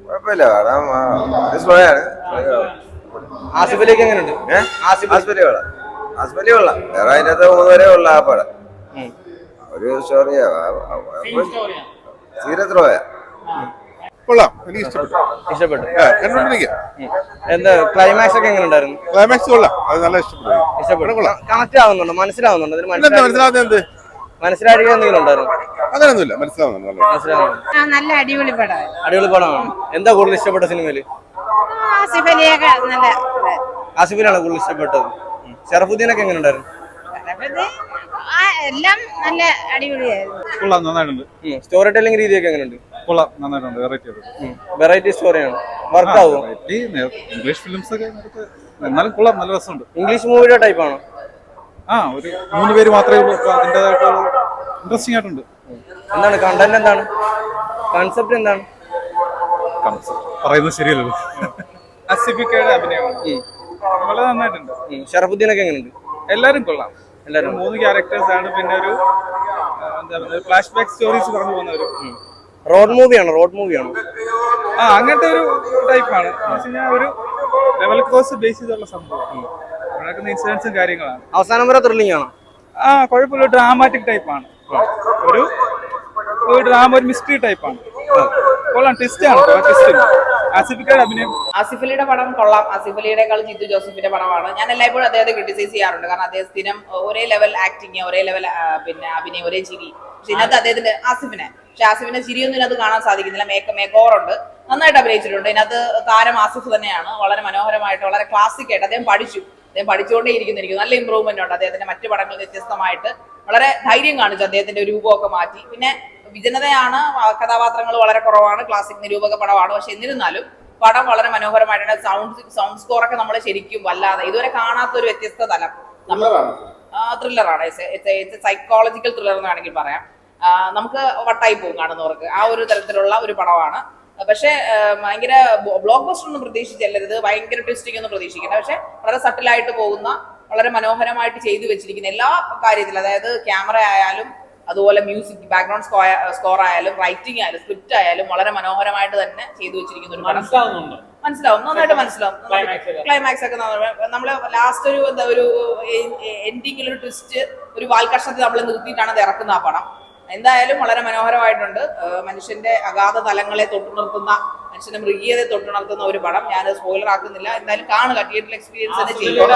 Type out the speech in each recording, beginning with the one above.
കുഴപ്പമില്ല സ്ലോയാണ്. ആസിഫിലേക്ക് എങ്ങനെയുണ്ട്? ആസ്പത്രി കൊള്ളാം. വേറെ അതിനകത്ത് 3 വരെ ഉള്ള ആ പടം ഒരു സ്റ്റോറിയാ. സീരത്രോയാ കൊള്ളാം, എനിക്ക് ഇഷ്ടപ്പെട്ടു. എന്താ ക്ലൈമാക്സ് ഒക്കെ എങ്ങനെ ഉണ്ടായിരുന്നു? ക്ലൈമാക്സ് കൊള്ളാം, അത് നല്ല ഇഷ്ടപ്പെട്ടു. കണക്ട് ആവുന്നുണ്ടോ? മനസ്സിലാവുന്നുണ്ടോ? മനസ്സിലാവുന്നത് എന്ത് മനസ്സിലാക്കുക എന്തെങ്കിലും ഉണ്ടായിരുന്നു? അങ്ങനെയൊന്നുമില്ല, മനസ്സിലാവുന്നുണ്ട്. നല്ല അടിപൊളി പടമാണ്. അടിപൊളി പടമാണ്. എന്താ കൂടുതൽ ഇഷ്ടപ്പെട്ട സിനിമയില്? ആസിഫ് അലിയൊക്കെ നല്ല ആസിഫിനാണ് കൂടുതൽ ഇഷ്ടപ്പെട്ടത്. ഷറഫുദ്ദീനൊക്കെ എങ്ങനെ ഉണ്ടായിരുന്നു? എല്ലാം നല്ല അടിപൊളിയായിരുന്നു. കൊള്ളാം, നന്നായിട്ടുണ്ട്. സ്റ്റോറി ടെല്ലിംഗ് രീതിയൊക്കെ എങ്ങനെയുണ്ട്? കൊള്ളാം, നന്നായിട്ടുണ്ട്. വെറൈറ്റി സ്റ്റോറിയാണ്. വർക്ക് ആവും. ഇംഗ്ലീഷ് ഫിലിംസ് ഒക്കെ എന്നാലും കൊള്ളാം, നല്ല രസമുണ്ട്. ഇംഗ്ലീഷ് മൂവിയുടെ ടൈപ്പ് ആണോ? ഒരു 3 പേര് മാത്രമേ ഉള്ളൂ. അതിൻ്റെതായിട്ട് ഇൻട്രസ്റ്റിംഗ് ആയിട്ടുണ്ട്. എന്താണ് കണ്ടന്റ്? എന്താണ് കൺസെപ്റ്റ്? എന്താണ് പറയുന്നത്? ശരിയല്ലല്ലോ. അസിഫിക്കയുടെ അഭിനയമാണ് വളരെ നന്നായിട്ടുണ്ട്. ഷറഫുദ്ദീനൊക്കെ എങ്ങനെയുണ്ട്? എല്ലാരും കൊള്ളാം. 3 ക്യാരക്ടേഴ്സ് ആണ്. പിന്നെ ഒരു ഫ്ലാഷ് ബാക്ക് സ്റ്റോറീസ് പറഞ്ഞു പോകുന്നവര്. റോഡ് മൂവിയാണോ? അങ്ങനത്തെ ഒരു ടൈപ്പാണ്. ഒരു ലെവൽ ക്രോസ് ബേസ് ചെയ്തുള്ള സംഭവം. നടക്കുന്ന ഇൻസിഡൻസും കാര്യങ്ങളാണ്. അവസാനം വരെ ത്രില്ലിംഗ് ആണോ? കുഴപ്പമില്ല. ഡ്രാമാറ്റിക് ടൈപ്പാണ്. ഒരു ഡ്രാമ, ഒരു മിസ്റ്ററി ടൈപ്പാണ്. കൊള്ളാം, ട്വിസ്റ്റ് ആണ്. ആസിഫിക്കയുടെ അഭിനയം. ആസിഫ് അലിയുടെ പടം കൊള്ളാം. ആസിഫ് അലിയുടെക്കാൾ ജിത്തു ജോസഫിന്റെ പടമാണ്. ഞാൻ എല്ലായ്പ്പോഴും അദ്ദേഹത്തെ ക്രിട്ടിസൈസ് ചെയ്യാറുണ്ട്. കാരണം അദ്ദേഹം സ്ഥിരം ഒരേ ലെവൽ ആക്ടിങ്, ഒരേ ലെവൽ പിന്നെ അഭിനയം, ഒരേ ചിരി. പക്ഷെ ഇതിനകത്ത് അദ്ദേഹത്തിന്റെ ആസിഫിനെ ചിരിയൊന്നും ഇതിനകത്ത് കാണാൻ സാധിക്കുന്നില്ല. മേക്ക് ഓവർ ഉണ്ട്, നന്നായിട്ട് അഭിനയിച്ചിട്ടുണ്ട്. ഇതിനകത്ത് താരം ആസിഫ് തന്നെയാണ്. വളരെ മനോഹരമായിട്ട്, വളരെ ക്ലാസിക് ആയിട്ട് അദ്ദേഹം പഠിച്ചുകൊണ്ടേ ഇരിക്കുന്നു. നല്ല ഇമ്പ്രൂവ്മെന്റ് ഉണ്ട് അദ്ദേഹത്തിന്റെ. മറ്റു പടങ്ങൾ വ്യത്യസ്തമായിട്ട് വളരെ ധൈര്യം കാണിച്ചു. അദ്ദേഹത്തിന്റെ രൂപമൊക്കെ മാറ്റി. പിന്നെ വിജനതയാണ്, കഥാപാത്രങ്ങൾ വളരെ കുറവാണ്. ക്ലാസിക് നിരൂപക പടമാണ്. പക്ഷെ എന്നിരുന്നാലും പടം വളരെ മനോഹരമായിട്ടുണ്ട്. സൗണ്ട് സ്കോർ ഒക്കെ നമ്മൾ ശരിക്കും വല്ലാതെ ഇതുവരെ കാണാത്ത ഒരു വ്യത്യസ്ത തലം. ത്രില്ലറാണ്. സൈക്കോളജിക്കൽ ത്രില്ലർ എന്ന് വേണമെങ്കിൽ പറയാം. നമുക്ക് വട്ടായി പോകും കാണുന്നവർക്ക്. ആ ഒരു തരത്തിലുള്ള ഒരു പടമാണ്. പക്ഷെ ഭയങ്കര ബ്ലോക്ക് ബസ്റ്റർ ഒന്നും പ്രതീക്ഷിച്ചല്ലരുത്, ഭയങ്കര ട്വിസ്റ്റിംഗ് ഒന്നും പ്രതീക്ഷിക്കേണ്ട. പക്ഷെ വളരെ സട്ടിലായിട്ട് പോകുന്ന, വളരെ മനോഹരമായിട്ട് ചെയ്തു വെച്ചിരിക്കുന്ന എല്ലാ കാര്യത്തിലും, അതായത് ക്യാമറ ആയാലും, അതുപോലെ മ്യൂസിക്, ബാക്ക്ഗ്രൗണ്ട് സ്കോർ ആയാലും, റൈറ്റിംഗ് ആയാലും, സ്ക്രിപ്റ്റ് ആയാലും വളരെ മനോഹരമായിട്ട് തന്നെ ചെയ്തു വെച്ചിരിക്കുന്ന ഒരു പടം. മനസ്സിലാവും, നന്നായിട്ട് മനസ്സിലാവും. ക്ലൈമാക്സ് ഒക്കെ നമ്മള് ലാസ്റ്റ് ഒരു എൻഡിങ്ങിൽ ഒരു ട്വിസ്റ്റ്, ഒരു വാൽക്കഷണത്തിൽ നമ്മൾ നിർത്തിയിട്ടാണ് അത് ഇറക്കുന്ന ആ പടം. എന്തായാലും വളരെ മനോഹരമായിട്ടുണ്ട്. മനുഷ്യന്റെ അഗാധ തലങ്ങളെ തൊട്ടുണർത്തുന്ന, മനുഷ്യന്റെ മൃഗീയതയെ തൊട്ടുണർത്തുന്ന ഒരു പടം. ഞാൻ സ്പോയിലർ ആക്കുന്നില്ല. എന്തായാലും കാണുക, തിയേറ്ററിൽ എക്സ്പീരിയൻസ് തന്നെ ചെയ്യുക.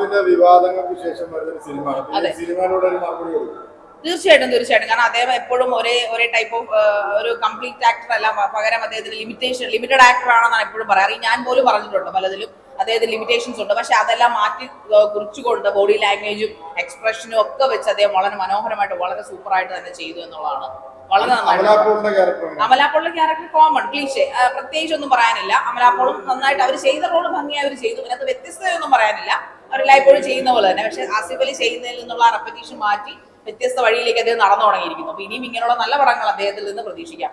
തീർച്ചയായിട്ടും. കാരണം അദ്ദേഹം എപ്പോഴും ഒരേ ടൈപ്പ് ഓഫ് ഒരു കംപ്ലീറ്റ് ആക്ടർ അല്ല. പകരം അദ്ദേഹത്തിന് ലിമിറ്റഡ് ആക്ടർ ആണെന്നാണ് എപ്പോഴും പറയാറ്. ഞാൻ പോലും പറഞ്ഞിട്ടുണ്ട് പലതിലും അദ്ദേഹത്തിന് ലിമിറ്റേഷൻസ് ഉണ്ട്. പക്ഷെ അതെല്ലാം മാറ്റി കുറിച്ചുകൊണ്ട് ബോഡി ലാംഗ്വേജും എക്സ്പ്രഷനും ഒക്കെ വെച്ച് അദ്ദേഹം വളരെ മനോഹരമായിട്ട്, വളരെ സൂപ്പറായിട്ട് തന്നെ ചെയ്തു എന്നുള്ളതാണ്. വളരെ നന്നായിട്ട്. അമലാപ്പോളിന്റെ ക്യാരക്ടർ കോമൺ, ക്ലീഷേ, പ്രത്യേകിച്ച് ഒന്നും പറയാനില്ല. അമലാപ്പോളും നന്നായിട്ട് അവർ ചെയ്ത റോള് ഭംഗിയായി അവർ ചെയ്തു. അതിനകത്ത് വ്യത്യസ്തതയൊന്നും പറയാനില്ല. അവരെല്ലായ്പ്പോഴും ചെയ്യുന്ന പോലെ തന്നെ. പക്ഷെ ആസിഫ് അലി ചെയ്യുന്നതിൽ നിന്നുള്ള റെപ്പറ്റീഷൻ മാറ്റി വ്യത്യസ്ത വഴിയിലേക്ക് അദ്ദേഹം നടന്നു തുടങ്ങിയിരിക്കുന്നു. അപ്പൊ ഇനിയും ഇങ്ങനെയുള്ള നല്ല പടങ്ങൾ അദ്ദേഹത്തിൽ നിന്ന് പ്രതീക്ഷിക്കാം.